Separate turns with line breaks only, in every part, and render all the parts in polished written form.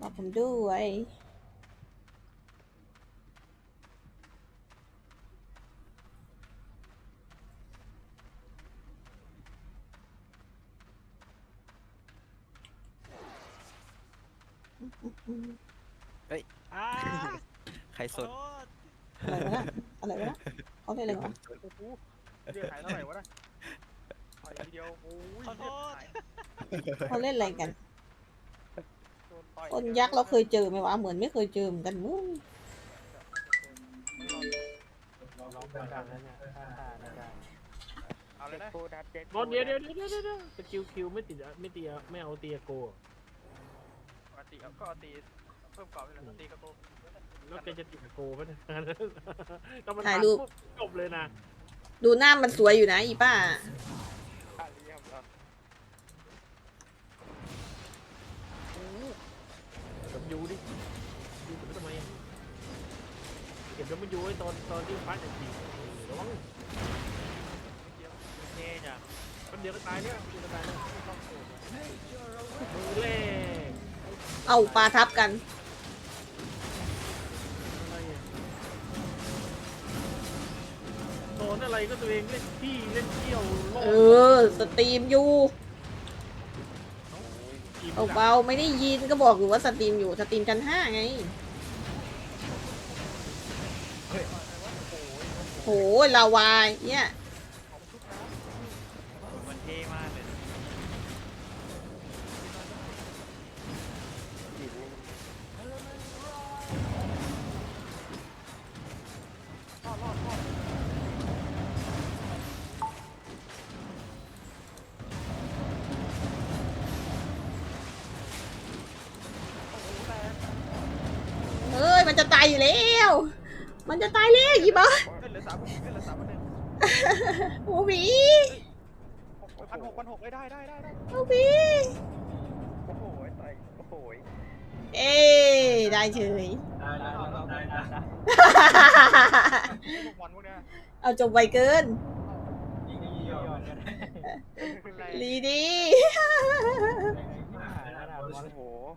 บอกผมด้วย
เฮ้ยใครสน
อะไรวะนะอะไรวะนะเขาเล่นอะไรวะ
โอ้โหเรียกหายเท่าไหร่วะนะหายทีเดียวโอ้ย
ขอโทษ
เขาเล่นอะไรกัน
โดนต่อย
คนยักษ์เราเคยเจอไหมวะเหมือนไม่เคยเจอเหมือนกันมึง
ร้องดังๆแล้วเนี่ยไม่ได้
เอาเลยนะ
บอลเดี๋ยวสกิลคิวไม่ติดไม่เอาตีโก
ปกติก็เอาตีเพิ่มกรอบไปเลยตีกระโปง
แล้วแกจะติดโกไหมเนี่ยต้องมัน
ถ่ายรูป
จบเลยนะ
ดูหน้ามันสวยอยู่นะอีป้า
ขาเรียบแล้ว
แบบยูดิยูทำไมเก็บแล้วมันยูไว้ตอนที่ฟ้าจะตีระวัง
เท่จ้ะ
คนเดียวก็ตายเนี่ยคนเดียวก็ตายเนี่ยมือเล่
เอาปลาทับกัน
อะไรอ่ะโซนอะไรก็ตัวเองเล่นขี้เล่นเที่ยวโล
เออสตรีมอยู่เบาๆไม่ได้ยินก็บอกอยู่ว่าสตรีมอยู่สตรีมชั้น5ไงโหลาวายเนี่ย
มันเท่มากเลย
เอ้ยมันจะตายอยู่แล้วมันจะตายแล้วอีบ้า
เหลือ3%
โอ้บี
1,600ได้
โอ้บี
โอ้โหต่อยโอ้โห
เอ้ได้เฉย
พวกวันพวกเนี้ย
เอาจบไวเกินลีดี
โอ้โห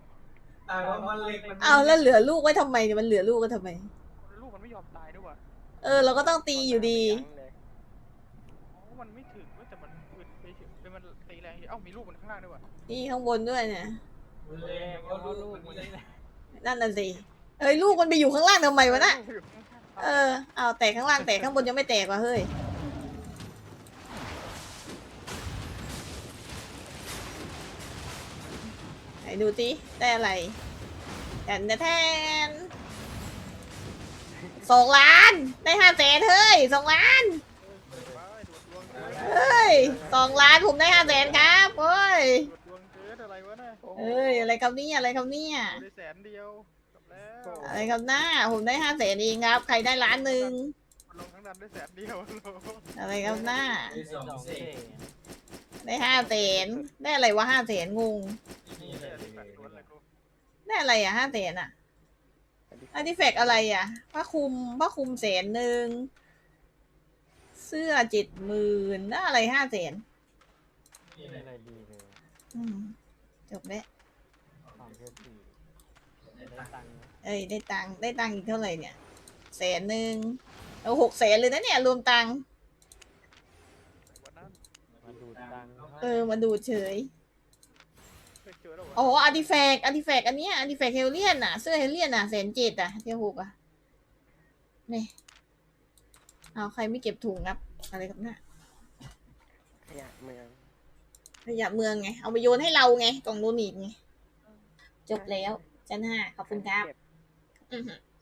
เอาแล้วเหลือลูกไว้ทำไมเนี่ยมันเหลือลูกก็ทำไม
ลูกมันไม่ยอมตายด้วยว่ะ
เออเราก็ต้องตีอยู่ดี
มันไม่ถึงแต่มันไปถึงเป็นมันตีแรงเอ้ามีลูกมันข้างล่างด้วยว่ะ
นี่ข้างบนด้วยเนี่ย
เอาลูกมันนี่แหละ
นั่นน่ะสิเฮ้ยลูกมันไปอยู่ข้างล่างทำไมวะน่ะเออเอาแตกข้างล่างแตกข้างบนยังไม่แตกว่ะเฮ้ยไหนดูสิได้อะไรแทน2 ล้านได้500,000เฮ้ย2 ล้านเฮ้ย2 ล้านผมได้500,000ครับเฮ้ย
ดวงเกิดอะไรวะน่ะ
เอ้ยอะไรครับเนี่ยอะไรครับเนี่ย
ได้100,000เดียวจบแล้ว
อะไรครับหน้าผมได้500,000เองครับใครได้1,000,000
ลงทั้งนั้นได้100,000เดียว
อะไรครับหน้า
2 เศษ
ได้500,000ได้อะไรวะ500,000งงได้อะไรอ่ะ500,000อ่ะอาร์ติแฟกต์อะไรอ่ะผ้าคลุม100,000เสื้อ70,000ได้อะไร500,000
อะไรดีเลย
จบแล้ว
ความเท่ดีได้ตังค์
เอ้ยได้ตังค์อีกเท่าไหร่เนี่ย100,000เอา600,000เลยนะเนี่ยรวมตังค์
มาดูตังค์
มาดูเฉยอ๋ออาร์ติแฟกต์อันเนี้ยอาร์ติแฟกต์เฮลเลียนอ่ะเสื้อเฮลเลียนอ่ะ107,000อ่ะเที่ยว6อ่ะนี่เอาใครไม่เก็บถุงครับอะไรครับเนี่ย
ขยะเมือง
ขยะเมืองไงเอาไปโยนให้เราไงกล่องโดนิทไงจบแล้วชั้น 5ขอบคุณครับ
เก็บ
อือหือ